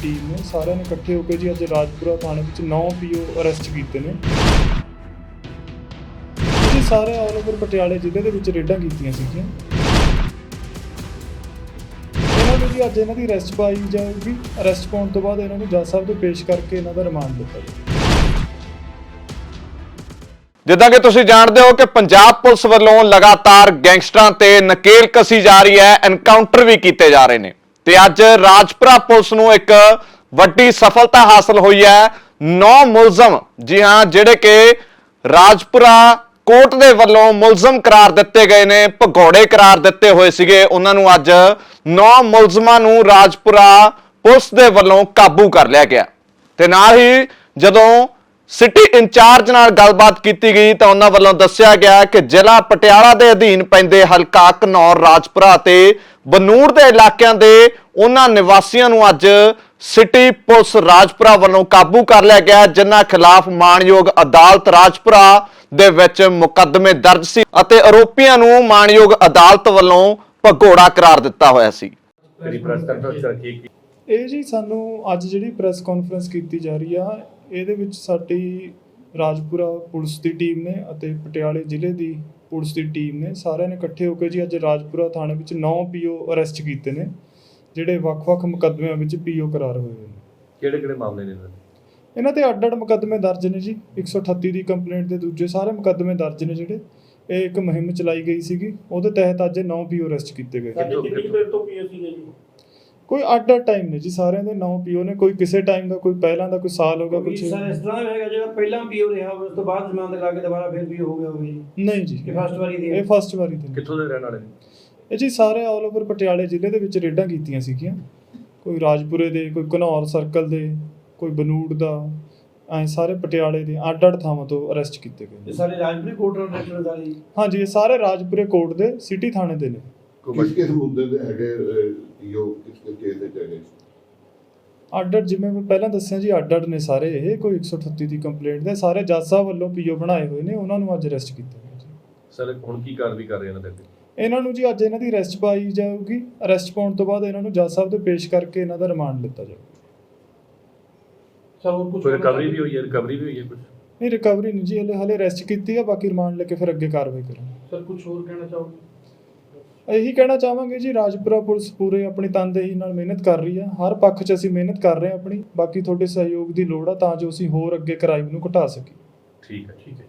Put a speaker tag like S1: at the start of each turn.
S1: Team ਨੇ ਸਾਰਿਆਂ ਨੇ ਇਕੱਠੇ ਹੋ ਕੇ ਜੀ ਅੱਜ ਰਾਜਪੁਰਾ ਥਾਣੇ ਵਿੱਚ 9 ਪੀਓ ਅਰੈਸਟ ਕੀਤੇ ਨੇ ਜੀ। ਸਾਰੇ ਆਲ ਓਵਰ ਪਟਿਆਲੇ ਜ਼ਿਲ੍ਹੇ ਦੇ ਵਿੱਚ ਰੇਡਾਂ ਕੀਤੀਆਂ ਸੀਗੀਆਂ। ਇਹਨਾਂ ਨੂੰ ਜੀ ਅੱਜ ਇਹਨਾਂ ਦੀ ਅਰੈਸਟ ਪਾਈ ਜਾਊਗੀ। ਅਰੈਸਟ ਪਾਉਣ ਤੋਂ ਬਾਅਦ ਇਹਨਾਂ ਨੂੰ ਜੱਜ ਸਾਹਿਬ ਦੇ ਪੇਸ਼ ਕਰਕੇ ਇਹਨਾਂ ਦਾ ਰਿਮਾਂਡ ਲਿੱਤਾ ਜਾਊਗਾ।
S2: ਜਿੱਦਾਂ ਕਿ ਤੁਸੀਂ ਜਾਣਦੇ ਹੋ ਕਿ ਪੰਜਾਬ ਪੁਲਿਸ ਵੱਲੋਂ ਲਗਾਤਾਰ ਗੈਂਗਸਟਰਾਂ ਤੇ ਨਕੇਲ ਕਸੀ ਜਾ ਰਹੀ ਹੈ, ਐਨਕਾਊਂਟਰ ਵੀ ਕੀਤੇ ਜਾ ਰਹੇ ਨੇ ਤੇ ਅੱਜ ਰਾਜਪੁਰਾ ਪੁਲਿਸ ਨੂੰ ਇੱਕ ਵੱਡੀ ਸਫਲਤਾ ਹਾਸਲ ਹੋਈ ਹੈ। 9 ਮੁਲਜ਼ਮ, ਜੀ ਹਾਂ, ਜਿਹੜੇ ਕਿ ਰਾਜਪੁਰਾ ਕੋਰਟ ਦੇ ਵੱਲੋਂ ਮੁਲਜ਼ਮ ਕਰਾਰ ਦਿੱਤੇ ਗਏ ਨੇ, ਭਗੌੜੇ ਕਰਾਰ ਦਿੱਤੇ ਹੋਏ ਸੀਗੇ, ਉਹਨਾਂ ਨੂੰ ਅੱਜ 9 ਮੁਲਜ਼ਮਾਂ ਨੂੰ ਰਾਜਪੁਰਾ ਪੁਲਿਸ ਦੇ ਵੱਲੋਂ ਕਾਬੂ ਕਰ ਲਿਆ ਗਿਆ। ਤੇ ਨਾਲ ਹੀ ਜਦੋਂ ਸਿਟੀ ਇੰਚਾਰਜ ਨਾਲ ਗੱਲਬਾਤ ਕੀਤੀ ਗਈ ਤਾਂ ਉਹਨਾਂ ਵੱਲੋਂ ਦੱਸਿਆ ਗਿਆ ਕਿ ਜ਼ਿਲ੍ਹਾ ਪਟਿਆਲਾ ਦੇ ਅਧੀਨ ਪੈਂਦੇ ਹਲਕਾ ਘਨੌਰ, ਰਾਜਪੁਰਾ ਤੇ ਬਨੂੜ ਦੇ ਇਲਾਕਿਆਂ ਦੇ ਉਹਨਾਂ ਨਿਵਾਸੀਆਂ ਨੂੰ ਅੱਜ ਸਿਟੀ ਪੁਲਿਸ ਰਾਜਪੁਰਾ ਵੱਲੋਂ ਕਾਬੂ ਕਰ ਲਿਆ ਗਿਆ, ਜਿਨ੍ਹਾਂ ਖਿਲਾਫ ਮਾਣਯੋਗ ਅਦਾਲਤ ਰਾਜਪੁਰਾ ਦੇ ਵਿੱਚ ਮੁਕੱਦਮੇ ਦਰਜ ਸੀ ਅਤੇ ਆਰੋਪੀਆਂ ਨੂੰ ਮਾਣਯੋਗ ਅਦਾਲਤ ਵੱਲੋਂ ਭਗੌੜਾ ਕਰਾਰ ਦਿੱਤਾ ਹੋਇਆ ਸੀ।
S1: ਇਹ ਜੀ ਸਾਨੂੰ ਅੱਜ ਜਿਹੜੀ ਪ੍ਰੈਸ ਕਾਨਫਰੰਸ ਕੀਤੀ ਜਾ ਰਹੀ ਆ, ਇਹਦੇ ਵਿੱਚ ਸਾਡੀ ਰਾਜਪੁਰਾ ਪੁਲਿਸ ਦੀ ਟੀਮ ਨੇ ਅਤੇ ਪਟਿਆਲੇ ਜ਼ਿਲ੍ਹੇ ਦੀ ਪੁਲਿਸ ਦੀ ਟੀਮ ਨੇ ਸਾਰਿਆਂ ਨੇ ਇਕੱਠੇ ਹੋ ਕੇ ਜੀ ਅੱਜ ਰਾਜਪੁਰਾ ਥਾਣੇ ਵਿੱਚ 9 ਪੀਓ ਅਰੈਸਟ ਕੀਤੇ ਨੇ, ਜਿਹੜੇ ਵੱਖ-ਵੱਖ ਮੁਕੱਦਮਿਆਂ ਵਿੱਚ ਪੀਓ ਕਰਾਰ ਹੋਏ ਨੇ।
S3: ਕਿਹੜੇ ਮਾਮਲੇ ਨੇ
S1: ਇਹਨਾਂ ਤੇ ਅੱਡ-ਅੱਡ ਮੁਕੱਦਮੇ ਦਰਜ ਨੇ ਜੀ। 138 ਦੀ ਕੰਪਲੇਂਟ ਦੇ ਦੂਜੇ ਸਾਰੇ ਮੁਕੱਦਮੇ ਦਰਜ ਨੇ ਜਿਹੜੇ। ਇਹ ਇੱਕ ਮੁਹਿੰਮ ਚਲਾਈ ਗਈ ਸੀਗੀ, ਉਹਦੇ ਤਹਿਤ ਅੱਜ 9 ਪੀਓ ਅਰੈਸਟ ਕੀਤੇ ਗਏ।
S4: ਕਿੰਨੀ ਦੇਰ ਤੋਂ ਪੀਓ ਸੀਗੇ ਜੀ?
S1: ਕੋਈ ਅੱਡ-ਅੱਡ ਟਾਈਮ ਨੇ ਜੀ, ਸਾਰਿਆਂ ਦੇ 9 ਪੀਓ ਨੇ। ਕੋਈ ਕਿਸੇ ਟਾਈਮ ਦਾ, ਕੋਈ ਪਹਿਲਾਂ ਦਾ, ਕੋਈ ਸਾਲ ਹੋ ਗਿਆ, ਕੁਝ
S4: ਸਰ ਇਸ ਤਰ੍ਹਾਂ ਹੈਗਾ ਜਿਹੜਾ ਪਹਿਲਾਂ ਪੀਓ ਰਿਹਾ ਉਸ ਤੋਂ ਬਾਅਦ ਜ਼ਮਾਨਤ ਲਾ ਕੇ ਦੁਬਾਰਾ ਫਿਰ ਪੀਓ ਹੋ ਗਿਆ ਹੋਵੇ ਜੀ?
S1: ਨਹੀਂ ਜੀ,
S4: ਇਹ ਫਸਟ ਵਾਰੀ ਦੀ
S1: ਇਹ ਫਸਟ ਵਾਰੀ ਦੀ।
S3: ਕਿੱਥੋਂ ਦੇ ਰਹਿਣ ਵਾਲੇ ਨੇ
S1: ਇਹ ਜੀ? ਸਾਰੇ ਆਲ ਓਵਰ ਪਟਿਆਲੇ ਜ਼ਿਲ੍ਹੇ ਦੇ ਵਿੱਚ ਰੇਡਾਂ ਕੀਤੀਆਂ ਸੀਗੀਆਂ। ਕੋਈ ਰਾਜਪੁਰੇ ਦੇ, ਕੋਈ ਘਨੌਰ ਸਰਕਲ ਦੇ, ਕੋਈ ਬਨੂੜ ਦਾ, ਐ ਸਾਰੇ ਪਟਿਆਲੇ ਦੇ ਅੱਡ-ਅੱਡ ਥਾਵਾਂ ਤੋਂ ਅਰੈਸਟ ਕੀਤੇ ਗਏ।
S4: ਇਹ ਸਾਰੇ ਰਾਜਪੁਰੀ ਕੋਰਟ ਨਾਲ ਰਿਲੇਟਡ ਆ ਜੀ?
S1: ਹਾਂਜੀ, ਇਹ ਸਾਰੇ ਰਾਜਪੁਰੇ ਕੋਰਟ ਦੇ ਸਿਟੀ ਥਾਣੇ ਦੇ ਨੇ।
S5: ਕਿਸ ਮੁੱਦੇ ਦੇ ਹੈਗੇ ਪੀਓ, ਕਿਸ ਕੇਸ ਦੇ ਹੈਗੇ?
S1: ਅੱਡ-ਅੱਡ, ਜਿਵੇਂ ਮੈਂ ਪਹਿਲਾਂ ਦੱਸਿਆ ਜੀ, ਅੱਡ-ਅੱਡ ਨੇ ਸਾਰੇ। ਇਹ ਕੋਈ 138 ਦੀ ਕੰਪਲੇਂਟ ਦੇ ਸਾਰੇ ਜੱਜ ਸਾਹਿਬ ਵੱਲੋਂ ਪੀਓ ਬਣਾਏ ਹੋਏ ਨੇ, ਉਹਨਾਂ ਨੂੰ ਅੱਜ ਅਰੈਸਟ ਕੀਤਾ ਗਿਆ ਜੀ।
S3: ਸਰ ਹੁਣ ਕੀ ਕਾਰਵਾਈ ਕਰ ਰਹੇ ਇਹਨਾਂ ਦੇ?
S1: ਇਹਨਾਂ ਨੂੰ ਜੀ ਅੱਜ ਇਹਨਾਂ ਦੀ ਅਰੈਸਟ ਪਾਈ ਜਾਊਗੀ। ਅਰੈਸਟ ਪਾਉਣ ਤੋਂ ਬਾਅਦ ਇਹਨਾਂ ਨੂੰ ਜੱਜ ਸਾਹਿਬ ਦੇ ਪੇਸ਼ ਕਰਕੇ ਇਹਨਾਂ ਦਾ ਰਿਮਾਂਡ ਲਿੱਤਾ ਜਾਊਗਾ।
S4: ਸਰ ਹੋਰ ਕੁਝ
S3: ਰਿਕਵਰੀ ਵੀ ਹੋਈ ਹੈ? ਕੁਝ
S1: ਨਹੀਂ, ਰਿਕਵਰੀ ਨਹੀਂ ਜੀ, ਹਲੇ ਅਰੈਸਟ ਕੀਤੀ ਆ। ਬਾਕੀ ਰਿਮਾਂਡ ਲੈ ਕੇ ਫਿਰ ਅੱਗੇ ਕਾਰਵਾਈ ਕਰਾਂਗੇ।
S4: ਸਰ ਕੁਝ ਹੋਰ ਕਹਿਣਾ ਚਾਹੋਗੇ?
S1: ਇਹੀ ਕਹਿਣਾ ਚਾਹਾਂਗੇ ਜੀ, ਰਾਜਪੁਰਾ ਪੁਲਿਸ ਪੂਰੇ ਆਪਣੀ ਤਨਦੇਹੀ ਨਾਲ ਮਿਹਨਤ ਕਰ ਰਹੀ ਆ। ਹਰ ਪੱਖ 'ਚ ਅਸੀਂ ਮਿਹਨਤ ਕਰ ਰਹੇ ਹਾਂ ਆਪਣੀ। ਬਾਕੀ ਤੁਹਾਡੇ ਸਹਿਯੋਗ ਦੀ ਲੋੜ ਆ ਤਾਂ ਜੋ ਅਸੀਂ ਹੋਰ ਅੱਗੇ ਕ੍ਰਾਈਮ ਨੂੰ ਘਟਾ ਸਕੀਏ।
S3: ਠੀਕ ਹੈ।